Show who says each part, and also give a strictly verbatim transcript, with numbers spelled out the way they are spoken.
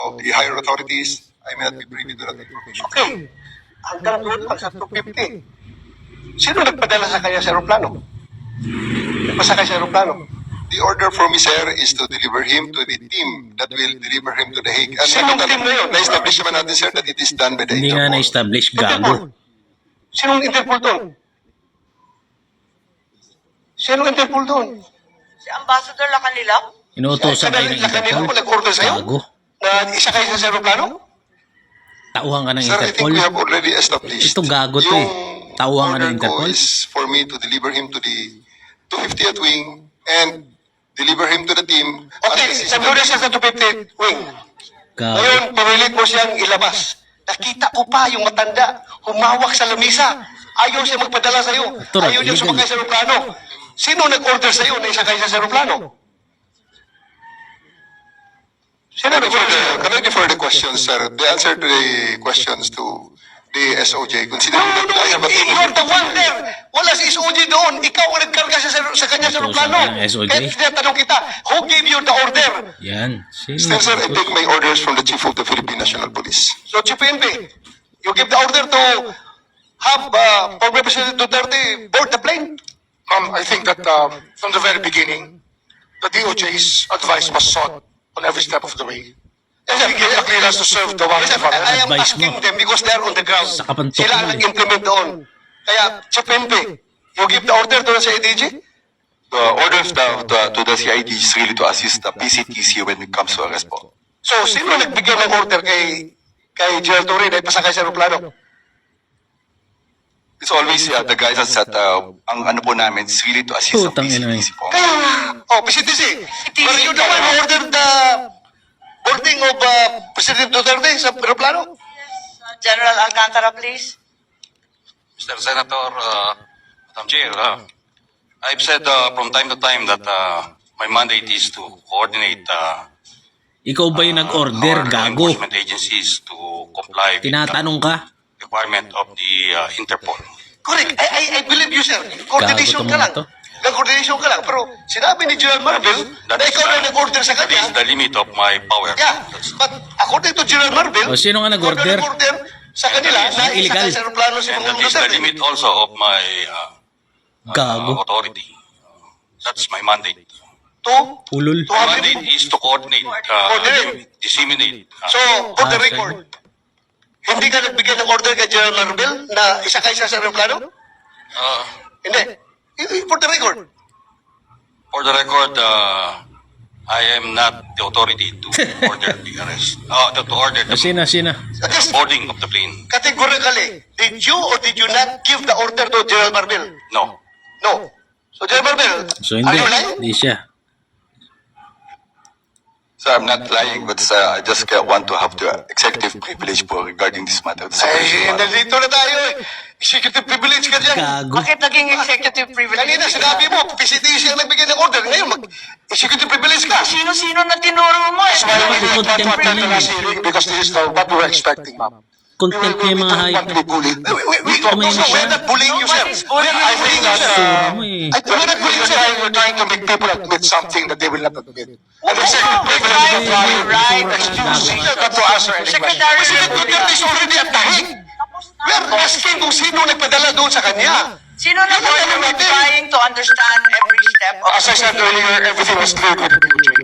Speaker 1: of the higher authorities, I may not be privy to that information.
Speaker 2: Okay. Hanggang doon pa sa two fifty. Sino nagpadala sa kanya sa aeroplano? Nagpasakay sa aeroplano?
Speaker 1: The order for me, sir, is to deliver him to the team that will deliver him to the Hague. And
Speaker 2: Sinong team na yun?
Speaker 1: Na-establish naman natin, sir, that it is done by the
Speaker 3: Hindi nga
Speaker 1: Interpol.
Speaker 3: na-establish,
Speaker 2: Interpol.
Speaker 3: gago.
Speaker 2: Sinong Interpol doon? Sinong Interpol doon?
Speaker 4: Si Ambassador Lacanilao?
Speaker 3: Inuutosan kayo ng
Speaker 2: Kanila
Speaker 3: Interpol.
Speaker 2: ko nag-order sa'yo?
Speaker 3: Gago.
Speaker 2: Na isa kayo sa aeroplano?
Speaker 3: Tauhan ka ng
Speaker 1: Sir, I think
Speaker 3: Interpol.
Speaker 1: we have already established.
Speaker 3: Ito gago to eh.
Speaker 1: Yung
Speaker 3: Tauhan ka ng
Speaker 1: order ko
Speaker 3: Interpol.
Speaker 1: is for me to deliver him to the two fiftieth wing and deliver him to the team.
Speaker 2: Okay, nandun na siya sa two fifty wing.
Speaker 3: Gago.
Speaker 2: Ngayon, pinilit mo siyang ilabas. Nakita ko pa yung matanda, humawak sa lamisa. Ayaw siya magpadala sa'yo.
Speaker 3: Ito,
Speaker 2: Ayaw niya
Speaker 3: illegal.
Speaker 2: sumakay sa aeroplano. Sino nag-order sa'yo na isakay siya sa aeroplano? Sino
Speaker 1: Can I defer
Speaker 2: nag-order
Speaker 1: the,
Speaker 2: sa'yo?
Speaker 1: can I defer the questions, sir? The answer to the questions to the S O J,
Speaker 2: No,
Speaker 1: considering
Speaker 2: no,
Speaker 1: that I have a team of
Speaker 2: you're the one there. Wala si S O J doon. Ikaw ang nagkarga siya sa, sa kanya sa
Speaker 3: Ito,
Speaker 2: aeroplano.
Speaker 3: sabi ng S O J.
Speaker 2: Kaya tinatanong kita, who gave you the order?
Speaker 3: Yan. Sino?
Speaker 1: Still, sir, I take my orders from the Chief of the Philippine National Police.
Speaker 2: So, Chief P N P, you give the order to have uh, former President Duterte board the plane?
Speaker 5: Ma'am, I think that uh, from the very beginning, the D O J's advice was sought on every step of the way. And we gave the clearance to serve the warrant
Speaker 2: Yes,
Speaker 5: of
Speaker 2: I, I am
Speaker 3: Advice
Speaker 2: asking
Speaker 3: mo.
Speaker 2: them because they are on the ground.
Speaker 3: Sa kapantok
Speaker 2: Sila ang
Speaker 3: mo eh.
Speaker 2: nag-implement doon. Kaya, Chief P N P, you give the order to sa A D G?
Speaker 6: The order of the, the, to the C I D is really to assist the P C T C when it comes to arrest po.
Speaker 2: So, sino nagbigay ng order kay kay General Torre na ipasakay sa aeroplano?
Speaker 6: It's always uh, the guidance that uh, ang ano po namin is really to assist the
Speaker 3: Putang
Speaker 6: P C
Speaker 3: ina
Speaker 6: T
Speaker 3: eh.
Speaker 6: C po.
Speaker 2: Kaya nga, oh, P C T C, were you the one who ordered the boarding of uh, President Duterte sa aeroplano?
Speaker 4: General Alcantara, please.
Speaker 7: Mister Senator, uh, Madam Chair, uh, I've said uh, from time to time that uh, my mandate is to coordinate uh,
Speaker 3: Ikaw ba yung nag-order,
Speaker 7: our law
Speaker 3: gago?
Speaker 7: enforcement agencies to comply with
Speaker 3: Tinatanong ka?
Speaker 7: the requirement of the uh, Interpol.
Speaker 2: Correct. I, I, I believe you, sir. Coordination
Speaker 3: Gago
Speaker 2: ka
Speaker 3: tong
Speaker 2: lang.
Speaker 3: to.
Speaker 2: Nag-coordination ka lang. Pero sinabi ni General Marvel na ikaw na nag-order sa
Speaker 7: That is
Speaker 2: kanya.
Speaker 7: the limit of my power.
Speaker 2: Yeah. But according to General Marvel,
Speaker 3: O, sino nga nag-order?
Speaker 2: ikaw na nag-order sa kanila na
Speaker 3: Illegal.
Speaker 2: isakay sa aeroplano si
Speaker 7: And that
Speaker 2: Pangulong
Speaker 7: is the
Speaker 2: Duterte.
Speaker 7: limit also of my uh,
Speaker 3: Gago.
Speaker 7: uh, authority. That's my mandate.
Speaker 2: To,
Speaker 3: Ulul.
Speaker 2: to have
Speaker 7: Mandate is to coordinate, uh,
Speaker 2: Coordinate.
Speaker 7: disseminate. uh,
Speaker 2: So, for the
Speaker 3: Ah,
Speaker 2: record, hindi ka nagbigay ng order kay General Marvel na isakay siya sa aeroplano?
Speaker 7: uh,
Speaker 2: Hindi. I- For the record.
Speaker 7: For the record, uh, I am not the authority to order the arrest, uh, to, to order the
Speaker 3: Sina, sina.
Speaker 2: Just
Speaker 7: boarding of the plane.
Speaker 2: categorically, did you or did you not give the order to General Marvel?
Speaker 7: No.
Speaker 2: No. So, General Marvel,
Speaker 3: So
Speaker 2: are
Speaker 3: hindi.
Speaker 2: you lying?
Speaker 3: Hindi siya.
Speaker 6: So I'm not lying, but uh, I just uh, want to have the executive privilege po regarding this matter. The
Speaker 2: Ay,
Speaker 6: separation matter.
Speaker 2: nandito na tayo eh. Executive privilege ka dyan.
Speaker 3: Gago.
Speaker 4: Bakit naging executive privilege?
Speaker 2: Kanina sinabi mo, P C T C ang nagbigay ng order. Ngayon, mag-executive privilege ka.
Speaker 4: Sino-sino na tinuro mo eh?
Speaker 5: Why we did not
Speaker 3: Contempt
Speaker 5: want
Speaker 3: na
Speaker 5: that
Speaker 3: lang.
Speaker 5: last hearing because this is the, what we were expecting, ma'am.
Speaker 3: Contempt niya yung mga
Speaker 5: We don't want to be
Speaker 3: hayop.
Speaker 5: bullied.
Speaker 2: We, we, we,
Speaker 3: Tumayo
Speaker 2: also,
Speaker 3: siya.
Speaker 2: we're not bullying you, sir.
Speaker 4: Nobody's
Speaker 2: We're
Speaker 4: bullying
Speaker 2: not
Speaker 5: I think
Speaker 2: bullying you,
Speaker 5: that,
Speaker 2: sir.
Speaker 3: Sura
Speaker 5: uh,
Speaker 3: mo eh.
Speaker 2: I, we're not bullying you,
Speaker 5: We're
Speaker 2: sir.
Speaker 5: trying, we're trying to make people admit something that they will not admit.
Speaker 2: No,
Speaker 5: And executive
Speaker 4: we're
Speaker 5: privilege
Speaker 4: trying to
Speaker 5: right,
Speaker 4: right.
Speaker 5: excuse me, not to answer any question.
Speaker 4: Secretary
Speaker 2: President Duterte is already at Tahig. We're asking kung sino nagpadala doon sa kanya.
Speaker 4: Sino na
Speaker 2: Yun ang tanong
Speaker 4: we're
Speaker 2: natin.
Speaker 4: trying to understand every step of
Speaker 5: As I said earlier, everything was clear with the D O J.